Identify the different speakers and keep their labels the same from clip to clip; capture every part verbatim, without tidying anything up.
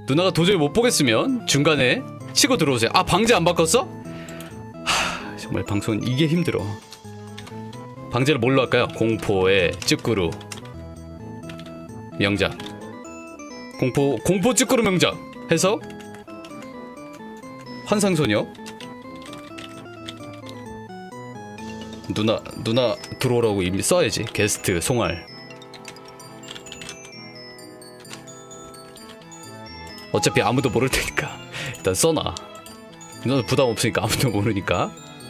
Speaker 1: 누나가 도저히 못 보겠으면 중간에 치고 들어오세요. 아, 방제 안 바꿨어? 하, 정말 방송 이게 힘들어. 방제를 뭘로 할까요? 공포의 찌꾸루 명작. 공포 공포 찌꾸루 명작 해서 환상소녀. 누나 누나 들어오라고 이미 써야지. 게스트 송알. 어차피 아무도 모를 테니까 일단 써놔. 누나 부담 없으니까 아무도 모르니까.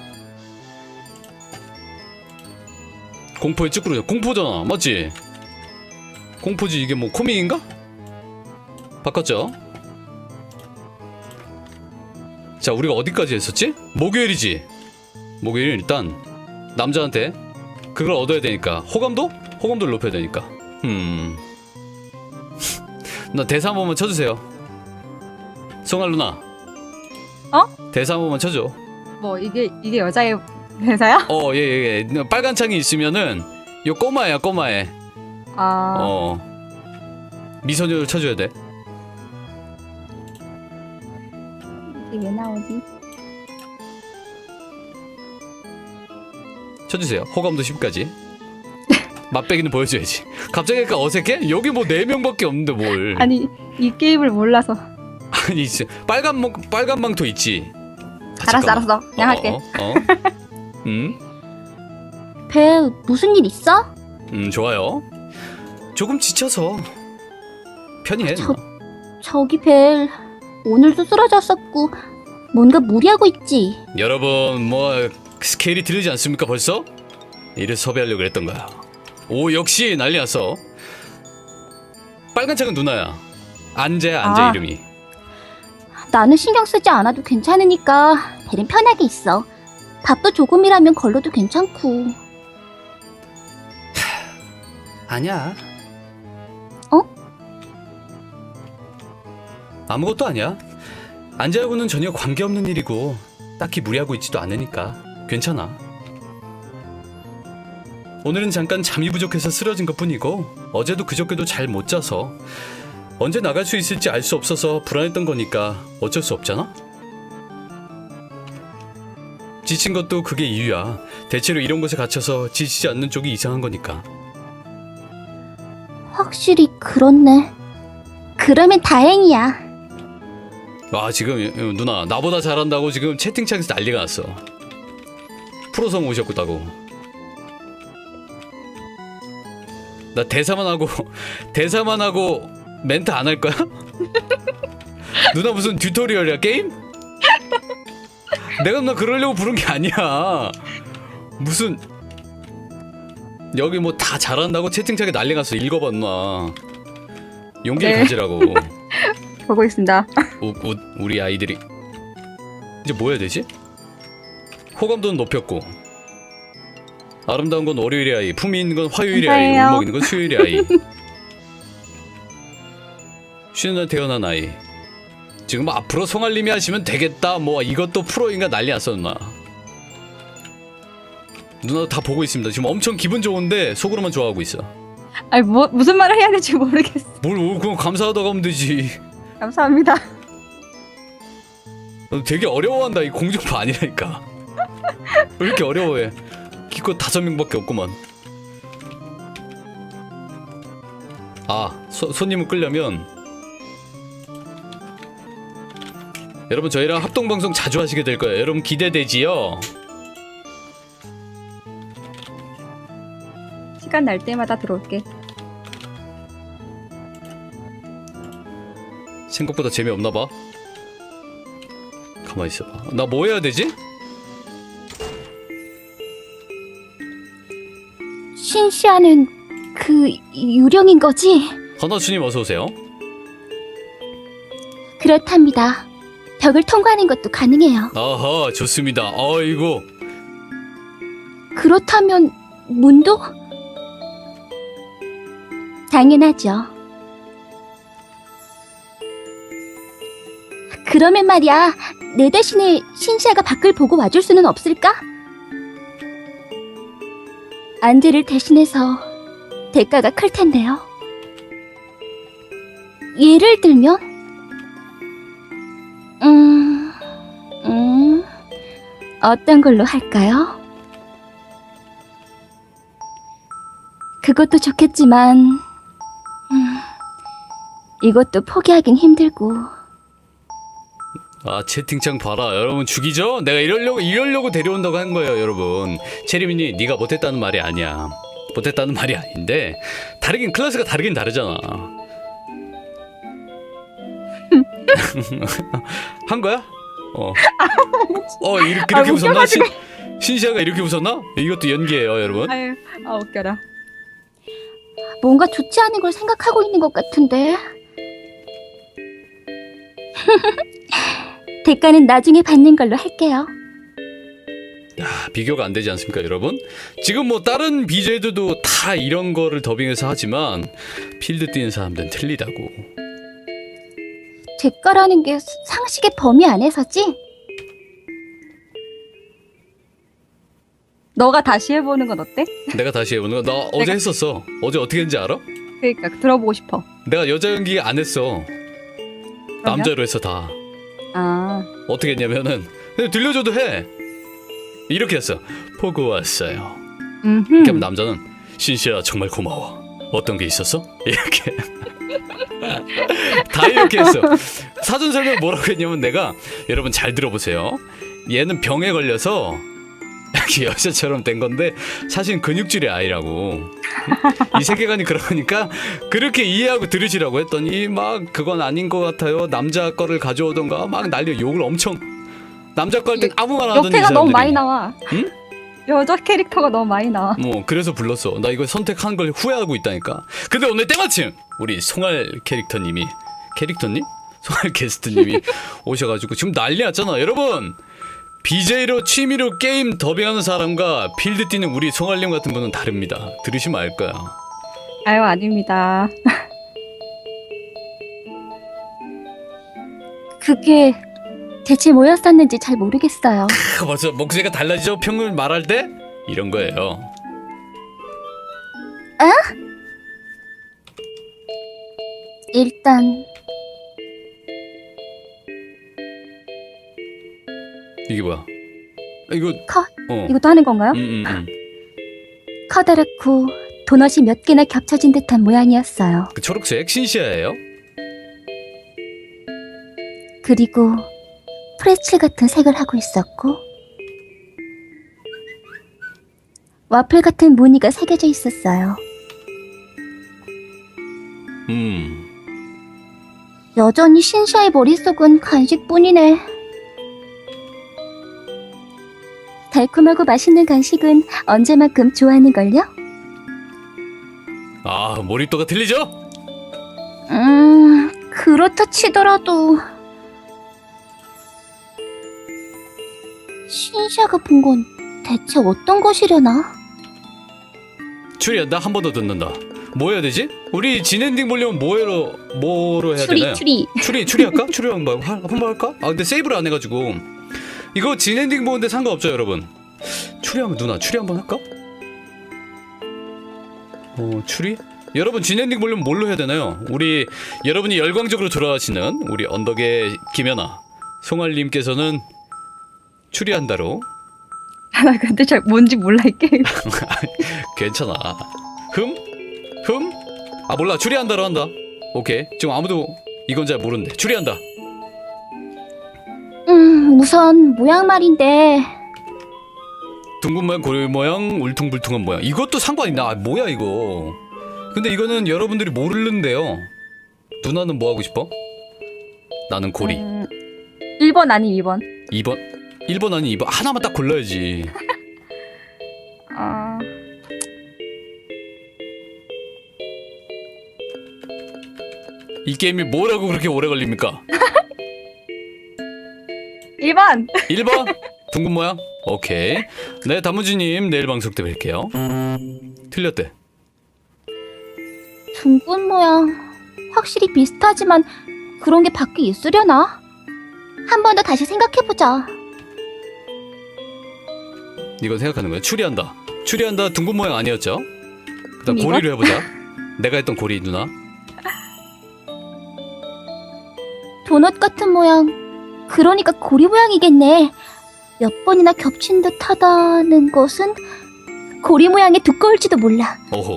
Speaker 1: 공포의 찌꾸루죠. 공포잖아, 맞지? 공포지. 이게 뭐 코믹인가? 바꿨죠? 자, 우리가 어디까지 했었지? 목요일이지. 목요일 일단 남자한테 그걸 얻어야 되니까 호감도? 호감도를 높여야 되니까. 음. 나 대사 한 번만 쳐주세요. 송알 누나.
Speaker 2: 어?
Speaker 1: 대사 한 번만 쳐줘.
Speaker 2: 뭐 이게 이게 여자의 대사야?
Speaker 1: 어, 예, 예, 예. 빨간 창이 있으면은 요 꼬마야, 꼬마애.
Speaker 2: 아.
Speaker 1: 어. 미소녀를 쳐줘야 돼.
Speaker 2: 이게 왜 나오지?
Speaker 1: 쳐주세요. 호감도 십까지. 맛배기는 보여줘야지. 갑자기 그러니까 어색해? 여기 뭐 네 명밖에 없는데 뭘.
Speaker 2: 아니 이 게임을 몰라서.
Speaker 1: 아니, 빨간 망 빨간 망토 있지. 아,
Speaker 2: 알았어
Speaker 1: 잠깐만.
Speaker 2: 알았어 그냥
Speaker 1: 어,
Speaker 2: 할게.
Speaker 1: 어, 어. 음,
Speaker 3: 배 무슨 일 있어?
Speaker 1: 음, 좋아요. 조금 지쳐서 편히 해.
Speaker 3: 저- 저기 벨 오늘도 쓰러졌었고 뭔가 무리하고 있지.
Speaker 1: 여러분, 뭐 스케일이 들리지 않습니까? 벌써? 이를 섭외하려고 그랬던 거야. 오, 역시 난리 났어. 빨간 창은 누나야. 안재야, 안재
Speaker 2: 아.
Speaker 1: 이름이.
Speaker 3: 나는 신경 쓰지 않아도 괜찮으니까 벨은 편하게 있어. 밥도 조금이라면 걸러도 괜찮고.
Speaker 1: 아니야.
Speaker 3: 어?
Speaker 1: 아무것도 아니야. 안재하고는 전혀 관계없는 일이고 딱히 무리하고 있지도 않으니까 괜찮아. 오늘은 잠깐 잠이 부족해서 쓰러진 것뿐이고 어제도 그저께도 잘 못 자서 언제 나갈 수 있을지 알 수 없어서 불안했던 거니까 어쩔 수 없잖아? 지친 것도 그게 이유야. 대체로 이런 곳에 갇혀서 지치지 않는 쪽이 이상한 거니까.
Speaker 3: 확실히 그렇네. 그러면 다행이야.
Speaker 1: 와, 지금 누나 나보다 잘한다고 지금 채팅창에서 난리가 났어. 프로성 오셨다고. 나 대사만 하고 대사만 하고 멘트 안 할 거야? 누나 무슨 튜토리얼이야, 게임? 내가 누나 그러려고 부른 게 아니야. 무슨 여기 뭐 다 잘한다고 채팅창에 난리 났어. 읽어봐 누나. 용기를
Speaker 2: 네.
Speaker 1: 가지라고.
Speaker 2: 보고 있습니다.
Speaker 1: 우, 우, 우리 아이들이 이제 뭐 해야 되지? 호감도는 높였고 아름다운 건 월요일의 아이, 품이 있는 건 화요일의 아이,
Speaker 2: 감사해요.
Speaker 1: 울먹 있는 건 수요일의 아이. 쉬는 날 태어난 아이. 지금 앞으로 송알님이 하시면 되겠다 뭐 이것도 프로인가 난리 났어 누나. 누나도 다 보고 있습니다. 지금 엄청 기분 좋은데 속으로만 좋아하고 있어.
Speaker 2: 아니 뭐 무슨 말을 해야 될지 모르겠어.
Speaker 1: 뭘 오, 그럼 감사하다고 하면 되지.
Speaker 2: 감사합니다.
Speaker 1: 너 되게 어려워한다. 이 공중파 아니라니까. 왜 이렇게 어려워해? 기껏 다섯 명밖에 없구만. 아, 소, 손님을 끌려면 여러분 저희랑 합동방송 자주 하시게 될 거예요. 여러분 기대되지요?
Speaker 2: 시간 날 때마다 들어올게.
Speaker 1: 생각보다 재미없나 봐. 가만히 있어봐. 나 뭐 해야 되지?
Speaker 3: 신시아는 그 유령인 거지?
Speaker 1: 허나주님 어서 오세요.
Speaker 3: 그렇답니다. 벽을 통과하는 것도 가능해요.
Speaker 1: 아하, 좋습니다. 아이고.
Speaker 3: 그렇다면 문도? 당연하죠. 그러면 말이야, 내 대신에 신시아가 밖을 보고 와줄 수는 없을까? 안드를 대신해서 대가가 클 텐데요. 예를 들면 어떤 걸로 할까요? 그것도 좋겠지만, 음, 이것도 포기하긴 힘들고.
Speaker 1: 아 채팅창 봐라 여러분 죽이죠? 내가 이러려고 이러려고 데려온다고 한 거예요 여러분. 체리민이 네가 못했다는 말이 아니야. 못했다는 말이 아닌데 다르긴 클래스가 다르긴 다르잖아. 한 거야? 어. 어 이렇게,
Speaker 2: 아,
Speaker 1: 이렇게 웃었나? 신,
Speaker 2: 웃겨가지고.
Speaker 1: 신시아가 이렇게 웃었나? 이것도 연기예요 여러분.
Speaker 2: 아유, 아 웃겨라.
Speaker 3: 뭔가 좋지 않은 걸 생각하고 있는 것 같은데. 대가는 나중에 받는 걸로 할게요.
Speaker 1: 아, 비교가 안 되지 않습니까 여러분? 지금 뭐 다른 비제들도 다 이런 거를 더빙해서 하지만 필드 뛰는 사람들은 틀리다고.
Speaker 3: 대가라는 게 상식의 범위 안에서지?
Speaker 2: 너가 다시 해보는 건 어때?
Speaker 1: 내가 다시 해보는 거 나 어제
Speaker 2: 내가-
Speaker 1: 했었어. 어제 어떻게 했는지 알아?
Speaker 2: 그러니까 들어보고 싶어.
Speaker 1: 내가 여자 연기 안 했어.
Speaker 2: 그러면?
Speaker 1: 남자로 했어 다.
Speaker 2: 아,
Speaker 1: 어떻게 했냐면은 그냥 들려줘도 해. 이렇게 했어. 보고 왔어요.
Speaker 2: 음,
Speaker 1: 이렇게 하면 남자는 신시아 정말 고마워. 어떤 게 있었어? 이렇게 다 이렇게 했어. 사전 설명 뭐라고 했냐면 내가 여러분 잘 들어보세요. 얘는 병에 걸려서 여자처럼 된 건데 사실 근육질의 아이라고. 이 세계관이 그러니까 그렇게 이해하고 들으시라고 했더니 막 그건 아닌 것 같아요. 남자 거를 가져오던가 막 난리 욕을 엄청. 남자 거 할 땐 아무 말 안 하던 이
Speaker 2: 역해가
Speaker 1: 사람들이.
Speaker 2: 너무 많이 나와.
Speaker 1: 응?
Speaker 2: 여자 캐릭터가 너무 많이 나와.
Speaker 1: 뭐 그래서 불렀어. 나 이거 선택한 걸 후회하고 있다니까. 근데 오늘 때마침 우리 송알 캐릭터님이 캐릭터님? 송알 게스트님이 오셔가지고 지금 난리 났잖아 여러분. 비제이로 취미로 게임 더빙하는 사람과 필드 뛰는 우리 송알님 같은 분은 다릅니다. 들으시면 알 거야.
Speaker 2: 아유, 아닙니다.
Speaker 3: 그게 대체 뭐였었는지 잘 모르겠어요.
Speaker 1: 크, 벌써 목소리가 달라지죠? 평을 말할 때? 이런 거예요.
Speaker 3: 일단
Speaker 1: 이게 뭐야? 이거
Speaker 3: 커,
Speaker 1: 어.
Speaker 2: 이것도 하는 건가요?
Speaker 1: 음, 음, 음.
Speaker 3: 커다랗고 도넛이 몇 개나 겹쳐진 듯한 모양이었어요.
Speaker 1: 그 초록색 신시아예요?
Speaker 3: 그리고 프레첼 같은 색을 하고 있었고 와플 같은 무늬가 새겨져 있었어요.
Speaker 1: 음.
Speaker 3: 여전히 신샤의 머릿속은 간식뿐이네. 달콤하고 맛있는 간식은 언제만큼 좋아하는걸요?
Speaker 1: 아 몰입도가 틀리죠?
Speaker 3: 음, 그렇다 치더라도 신샤가 본 건 대체 어떤 것이려나?
Speaker 1: 추리야 나 한 번 더 듣는다. 뭐 해야 되지? 우리 진엔딩 보려면 뭐로 뭐로 해야
Speaker 3: 추리
Speaker 1: 되나요?
Speaker 3: 추리.
Speaker 1: 추리 추리할까? 추리 한번 할- 한번 할까? 아 근데 세이브를 안 해가지고 이거 진엔딩 보는데 상관없죠 여러분. 추리하면 누나 추리 한번 할까? 어 추리? 여러분 진엔딩 보려면 뭘로 해야 되나요? 우리 여러분이 열광적으로 돌아가시는 우리 언덕의 김연아 송알님께서는 추리한다로.
Speaker 2: 나 근데 잘 뭔지 몰라 이 게임.
Speaker 1: 괜찮아. 흠? 흠? 아 몰라 추리한다로 한다. 오케이 지금 아무도 이건 잘 모르는데 추리한다.
Speaker 3: 음, 우선 모양 말인데
Speaker 1: 둥근 모양 고리 모양 울퉁불퉁한 모양 이것도 상관 있나? 아, 뭐야 이거. 근데 이거는 여러분들이 모르는데요. 누나는 뭐 하고 싶어? 나는 고리.
Speaker 2: 음, 일 번 아니 이 번.
Speaker 1: 이 번 일 번 아니 이 번 하나만 딱 골라야지.
Speaker 2: 아,
Speaker 1: 이 게임이 뭐라고 그렇게 오래 걸립니까?
Speaker 2: 일 번.
Speaker 1: 일 번 둥근 모양. 오케이. 네 다무지님 내일 방송 때 뵐게요. 틀렸대.
Speaker 3: 둥근 모양 확실히 비슷하지만 그런 게 밖에 있으려나? 한 번 더 다시 생각해보자.
Speaker 1: 이건 생각하는 거야. 추리한다. 추리한다. 둥근 모양 아니었죠? 그다음
Speaker 2: 이거?
Speaker 1: 고리로 해보자. 내가 했던 고리 누나.
Speaker 3: 도넛 같은 모양. 그러니까 고리 모양이겠네. 몇 번이나 겹친 듯 하다는 것은 고리 모양이 두꺼울지도 몰라.
Speaker 1: 어허.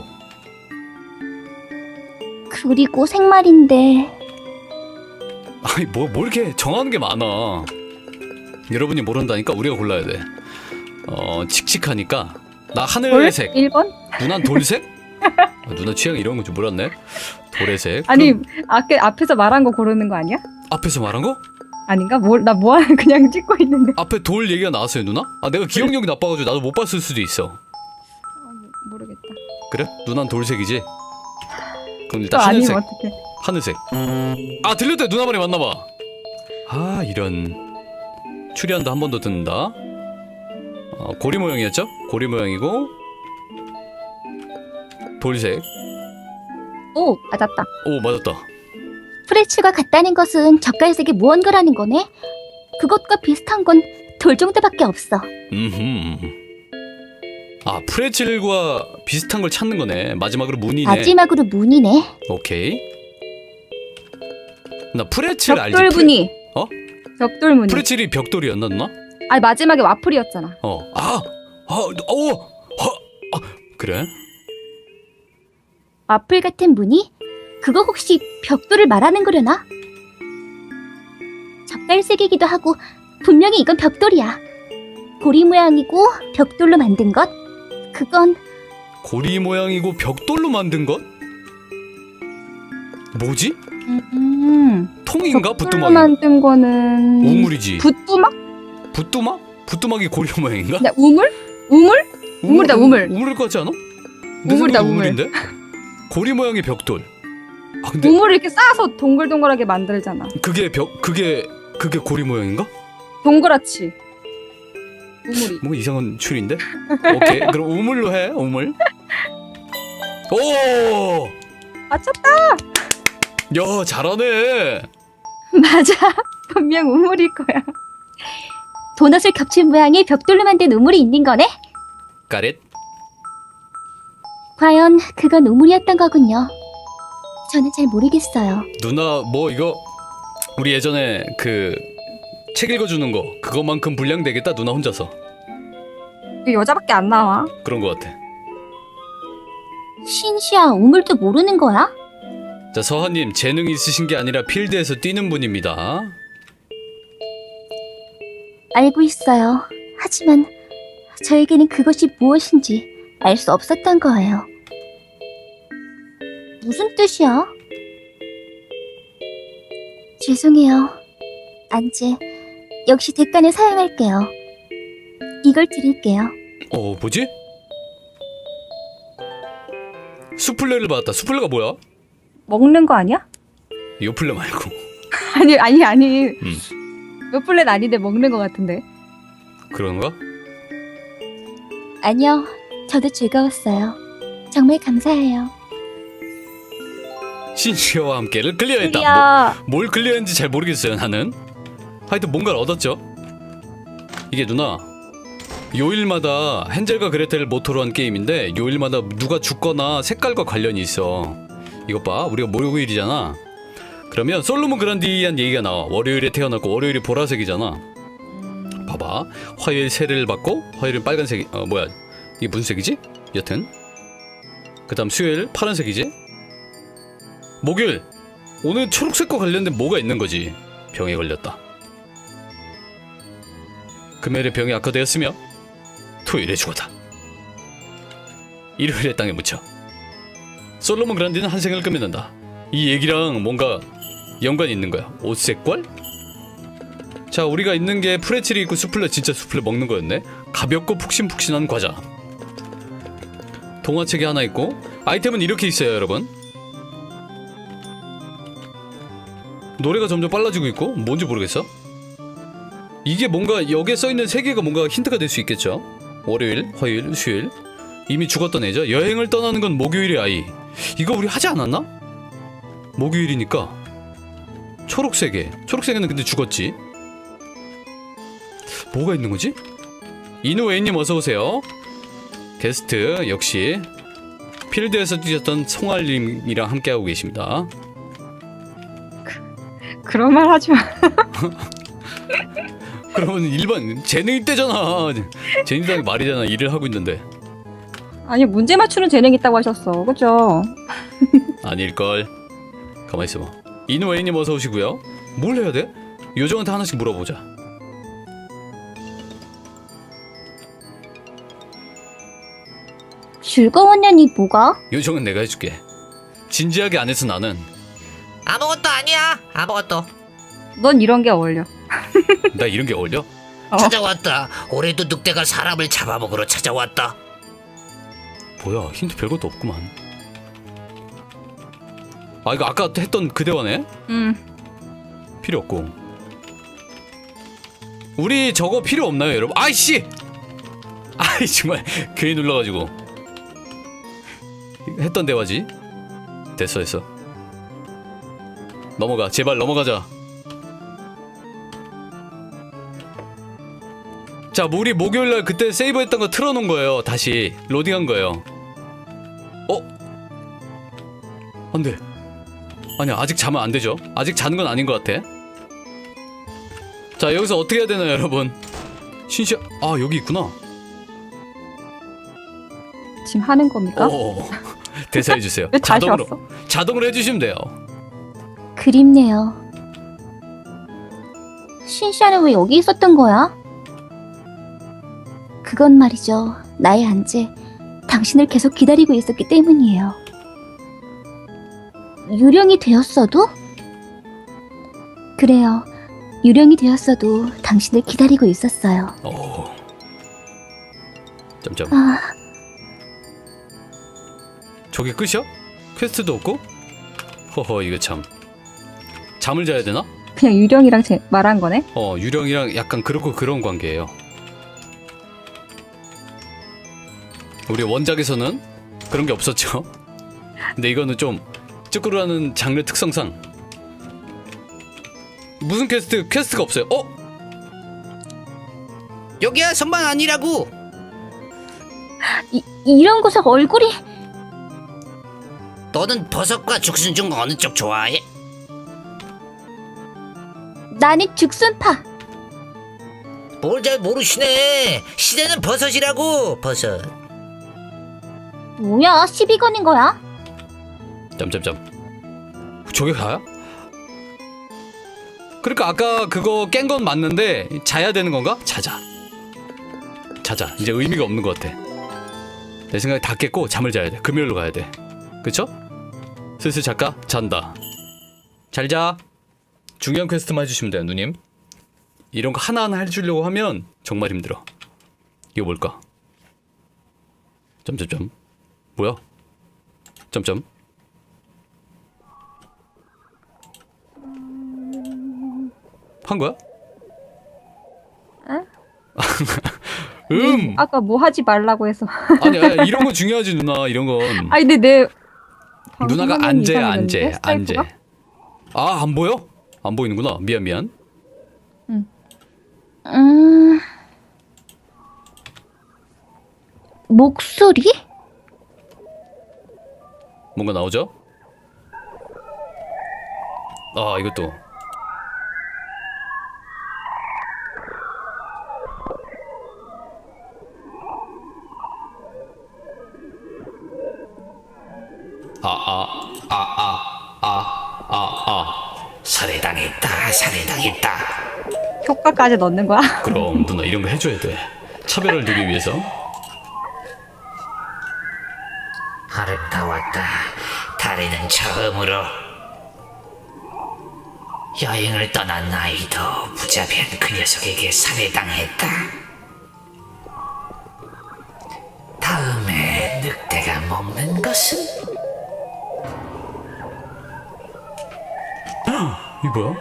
Speaker 3: 그리고 생말인데
Speaker 1: 아니 뭐, 뭐 이렇게 정하는 게 많아. 여러분이 모른다니까 우리가 골라야 돼. 어 칙칙하니까 나 하늘색.
Speaker 2: 일 번?
Speaker 1: 누난 돌색? 아, 누나 취향 이런 건 줄 몰랐네. 도래색.
Speaker 2: 아니
Speaker 1: 그럼
Speaker 2: 앞에 앞에서 말한 거 고르는 거 아니야?
Speaker 1: 앞에서 말한 거?
Speaker 2: 아닌가? 뭘 나 뭐하는 그냥 찍고 있는데.
Speaker 1: 앞에 돌 얘기가 나왔어요 누나? 아 내가 기억력이 나빠가지고 나도 못 봤을 수도 있어.
Speaker 2: 어, 모르겠다.
Speaker 1: 그래? 누난 돌색이지? 그럼
Speaker 2: 또
Speaker 1: 일단
Speaker 2: 아니면
Speaker 1: 하늘색.
Speaker 2: 어떡해?
Speaker 1: 하늘색. 아 들렸대 누나 말이 맞나봐. 아 이런. 추리한다 한 번 더 듣는다. 어, 고리 모양이었죠? 고리 모양이고 돌색.
Speaker 2: 오 맞았다.
Speaker 1: 오 맞았다.
Speaker 3: 프레츠가 같다는 것은 젓갈색의 무언가라는 거네. 그것과 비슷한 건 돌 정도밖에 없어.
Speaker 1: 음흠. 아 프레첼과 비슷한 걸 찾는 거네. 마지막으로 문이네.
Speaker 3: 마지막으로 문이네.
Speaker 1: 오케이. 나 프레첼 알지?
Speaker 2: 벽돌무늬.
Speaker 1: 어?
Speaker 2: 벽돌무늬.
Speaker 1: 프레첼이 벽돌이었나 누나?
Speaker 2: 아니 마지막에 와플이었잖아.
Speaker 1: 어. 아. 아. 오. 아. 아. 그래?
Speaker 3: 와플 같은 무늬? 그거 혹시 벽돌을 말하는 거려나? 젓갈색이기도 하고 분명히 이건 벽돌이야. 고리 모양이고 벽돌로 만든 것? 그건
Speaker 1: 고리 모양이고 벽돌로 만든 것? 뭐지?
Speaker 2: 음.
Speaker 1: 통인가?
Speaker 2: 벽돌로
Speaker 1: 붓두막이?
Speaker 2: 만든 거는
Speaker 1: 우물이지.
Speaker 2: 붓두막?
Speaker 1: 붓두막? 붓두막이 고리 모양인가?
Speaker 2: 네, 우물? 우물? 우물이다, 우물.
Speaker 1: 우물일 것 같지 않아? 내
Speaker 2: 우물이다,
Speaker 1: 생각엔
Speaker 2: 우물.
Speaker 1: 우물인데? 고리 모양의 벽돌. 아 근데
Speaker 2: 우물을 이렇게 쌓아서 동글동글하게 만들잖아.
Speaker 1: 그게 벽 그게 그게 고리 모양인가?
Speaker 2: 동그랗지. 우물이.
Speaker 1: 뭐 이상한 추리인데? 오케이 그럼 우물로 해 우물. 오!
Speaker 2: 맞췄다.
Speaker 1: 야 잘하네.
Speaker 2: 맞아. 분명 우물일 거야.
Speaker 3: 도넛을 겹친 모양의 벽돌로 만든 우물이 있는 거네?
Speaker 1: 까렛.
Speaker 3: 과연 그건 우물이었던 거군요. 저는 잘 모르겠어요.
Speaker 1: 누나 뭐 이거 우리 예전에 그 책 읽어주는 거 그거만큼 분량 되겠다 누나 혼자서.
Speaker 2: 그 여자밖에 안 나와.
Speaker 1: 그런 거 같아.
Speaker 3: 신시야, 우물도 모르는 거야?
Speaker 1: 자 서하님 재능이 있으신 게 아니라 필드에서 뛰는 분입니다.
Speaker 3: 알고 있어요. 하지만 저에게는 그것이 무엇인지 알 수 없었던 거예요. 무슨 뜻이야? 죄송해요. 안재, 역시 대가는 사양할게요. 이걸 드릴게요.
Speaker 1: 어 뭐지? 수플레를 받았다. 수플레가 뭐야?
Speaker 2: 먹는 거 아니야?
Speaker 1: 요플레 말고.
Speaker 2: 아니 아니 아니.
Speaker 1: 음.
Speaker 2: 몇 플랜 아닌데 먹는 거 같은데.
Speaker 1: 그런가?
Speaker 3: 아니요, 저도 즐거웠어요. 정말 감사해요.
Speaker 1: 신시어와 함께를 클리어했다.
Speaker 2: 야.
Speaker 1: 뭐, 뭘 클리어했는지 잘 모르겠어요 나는. 하여튼 뭔가를 얻었죠. 이게 누나 요일마다 헨젤과 그레텔을 모토로 한 게임인데 요일마다 누가 죽거나 색깔과 관련이 있어. 이것 봐 우리가 목요일이잖아. 그러면 솔로몬 그란디한 얘기가 나와. 월요일에 태어났고 월요일이 보라색이잖아. 봐봐 화요일 세례를 받고 화요일은 빨간색. 어 뭐야 이게 무슨 색이지? 여튼 그 다음 수요일 파란색이지. 목요일 오늘 초록색과 관련된 뭐가 있는 거지. 병에 걸렸다. 금요일에 병이 악화되었으며 토요일에 죽었다. 일요일에 땅에 묻혀. 솔로몬 그란디는 한 생을 끝맺는다. 이 얘기랑 뭔가 연관이 있는 거야. 옷색깔? 자 우리가 있는 게 프레첼이 있고 수플레. 진짜 수플레 먹는 거였네. 가볍고 푹신푹신한 과자. 동화책이 하나 있고 아이템은 이렇게 있어요 여러분. 노래가 점점 빨라지고 있고 뭔지 모르겠어. 이게 뭔가 여기에 써있는 세 개가 뭔가 힌트가 될 수 있겠죠. 월요일, 화요일, 수요일. 이미 죽었던 애죠. 여행을 떠나는 건 목요일의 아이. 이거 우리 하지 않았나? 목요일이니까 초록색에. 초록색에는 근데 죽었지. 뭐가 있는 거지? 이누웨이님 어서오세요. 게스트 역시 필드에서 뛰셨던 송알님이랑 함께하고 계십니다.
Speaker 2: 그런 말 하지 마.
Speaker 1: 그러면 일반 재능 때잖아. 재능이라는 게 말이잖아. 일을 하고 있는데.
Speaker 2: 아니 문제 맞추는 재능 있다고 하셨어. 그죠?
Speaker 1: 아닐걸. 가만히 있어봐. 인웨이님 어서 오시고요. 뭘 해야 돼? 요정한테 하나씩 물어보자.
Speaker 3: 즐거웠냐니 뭐가?
Speaker 1: 요정은 내가 해줄게. 진지하게 안 해서 나는.
Speaker 4: 아무것도 아니야. 아무것도.
Speaker 2: 넌 이런 게 어울려.
Speaker 1: 나 이런 게 어울려?
Speaker 2: 어.
Speaker 4: 찾아왔다. 올해도 늑대가 사람을 잡아먹으러 찾아왔다.
Speaker 1: 뭐야, 힌트 별것도 없구만. 아, 이거 아까 했던 그 대화네?
Speaker 2: 음.
Speaker 1: 필요 없고. 우리 저거 필요 없나요, 여러분? 아이씨! 아이, 정말 괜히 눌러가지고. 했던 대화지? 됐어, 됐어. 넘어가, 제발 넘어가자. 자, 우리 목요일날 그때 세이브했던 거 틀어놓은 거예요. 다시 로딩한 거예요. 어? 안 돼. 아니야, 아직 자면 안 되죠. 아직 자는 건 아닌 것 같아. 자, 여기서 어떻게 해야 되나요, 여러분? 신시, 아, 여기 있구나.
Speaker 2: 지금 하는 겁니까?
Speaker 1: 어, 대사해 주세요.
Speaker 2: 왜 다시
Speaker 1: 자동으로,
Speaker 2: 왔어?
Speaker 1: 자동으로 해주시면 돼요.
Speaker 3: 그립네요. 신샤는 왜 여기 있었던 거야? 그건 말이죠. 나의 안재, 당신을 계속 기다리고 있었기 때문이에요. 유령이 되었어도? 그래요. 유령이 되었어도 당신을 기다리고 있었어요.
Speaker 1: 오. 점점.
Speaker 3: 아,
Speaker 1: 저게 끝이야? 퀘스트도 없고? 허허, 이거 참. 잠을 자야 되나?
Speaker 2: 그냥 유령이랑 제, 말한 거네?
Speaker 1: 어, 유령이랑 약간 그렇고 그런 관계예요. 우리 원작에서는 그런 게 없었죠. 근데 이거는 좀 쭈꾸루라는 장르 특성상 무슨 퀘스트? 퀘스트가 없어요. 어?
Speaker 4: 여기야 선반 아니라고.
Speaker 3: 이, 이런 곳에 얼굴이...
Speaker 4: 너는 버섯과 죽순 중 어느 쪽 좋아해?
Speaker 3: 나는 죽순파.
Speaker 4: 뭘 잘 모르시네. 시대는 버섯이라고. 버섯.
Speaker 3: 뭐야, 시비 거는 거야?
Speaker 1: 점점점. 저게 가야? 그러니까 아까 그거 깬 건 맞는데 자야 되는 건가? 자자. 자자. 이제 의미가 없는 것 같아. 내 생각에 다 깼고 잠을 자야 돼. 금요일로 가야 돼. 그쵸? 슬슬 잘까? 잔다. 잘 자. 중요한 퀘스트만 해주시면 돼요, 누님. 이런 거 하나하나 해주려고 하면 정말 힘들어. 이거 뭘까? 점점점. 뭐야? 점점. 한 거야?
Speaker 2: 응?
Speaker 1: 음.
Speaker 2: 아까 뭐 하지 말라고 해서.
Speaker 1: 아니, 아니 이런 거 중요하지 누나. 이런 건.
Speaker 2: 아니 근데 내
Speaker 1: 누나가
Speaker 2: 방송 화면이
Speaker 1: 안재야
Speaker 2: 이상해졌는데?
Speaker 1: 안재 안재.
Speaker 2: 스카이프가?
Speaker 1: 아, 안 보여? 안 보이는구나. 미안 미안.
Speaker 3: 음... 목소리?
Speaker 1: 뭔가 나오죠? 아, 이것도. 아, 아, 아, 아, 아, 아, 아.
Speaker 4: 살해당했다. 살해당했다.
Speaker 2: 효과까지 넣는 거야?
Speaker 1: 그럼 누나 이런 거 해줘야 돼. 차별을 두기 위해서.
Speaker 4: 아름다웠다. 달에는 처음으로 여행을 떠난 아이도 무자비한 그 녀석에게 살해당했다. 다음에 늑대가 먹는 것은
Speaker 1: 이 뭐야?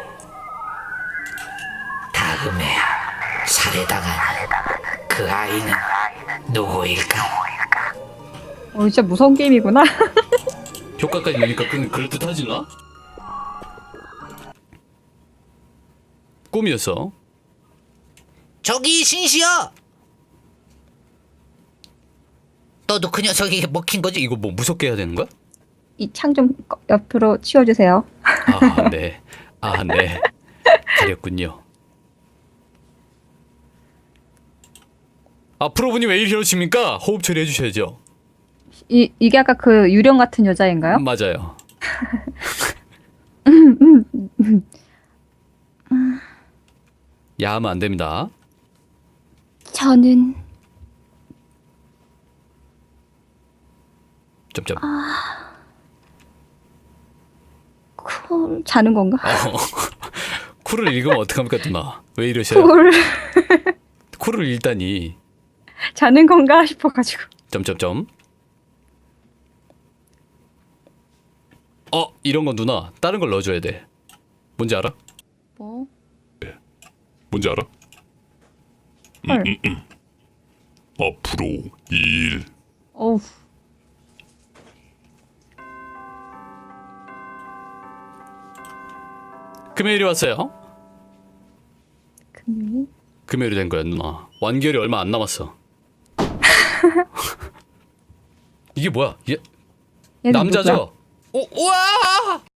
Speaker 4: 다음에 살해당한 그 아이는 누구일까?
Speaker 2: 어 진짜 무서운 게임이구나.
Speaker 1: 효과까지 넣으니까 그 그럴듯하지 나? 꿈이었어.
Speaker 4: 저기 신시여! 너도 그 녀석에게 먹힌 거지?
Speaker 1: 이거 뭐 무섭게 해야 되는 거야?
Speaker 2: 이 창 좀 옆으로 치워주세요.
Speaker 1: 아, 네. 아, 네. 가렸군요. 아 프로분이 왜 이러십니까? 호흡 처리해 주셔야죠.
Speaker 2: 이 이게 아까 그 유령 같은 여자인가요?
Speaker 1: 맞아요. 야하면 안 됩니다.
Speaker 3: 저는
Speaker 1: 점점.
Speaker 3: 쿨.
Speaker 2: 자는 건가?
Speaker 1: 어. 쿨을 읽으면 어떡합니까 누나? 왜 이러셔요?
Speaker 2: 쿨
Speaker 1: 쿨을 읽다니.
Speaker 2: 자는 건가 싶어가지고.
Speaker 1: 점점점. 어 이런 거 누나 다른 걸 넣어줘야 돼. 뭔지 알아?
Speaker 2: 뭐?
Speaker 5: 뭔지 알아?
Speaker 2: 헐.
Speaker 5: 앞으로 일.
Speaker 2: 어우.
Speaker 1: 금요일이 왔어요.
Speaker 2: 금요일?
Speaker 1: 금요일이 된 거야 누나. 완결이 얼마 안 남았어. 이게 뭐야? 얘
Speaker 2: 얘는 누구야?
Speaker 1: 남자죠? 오 우와!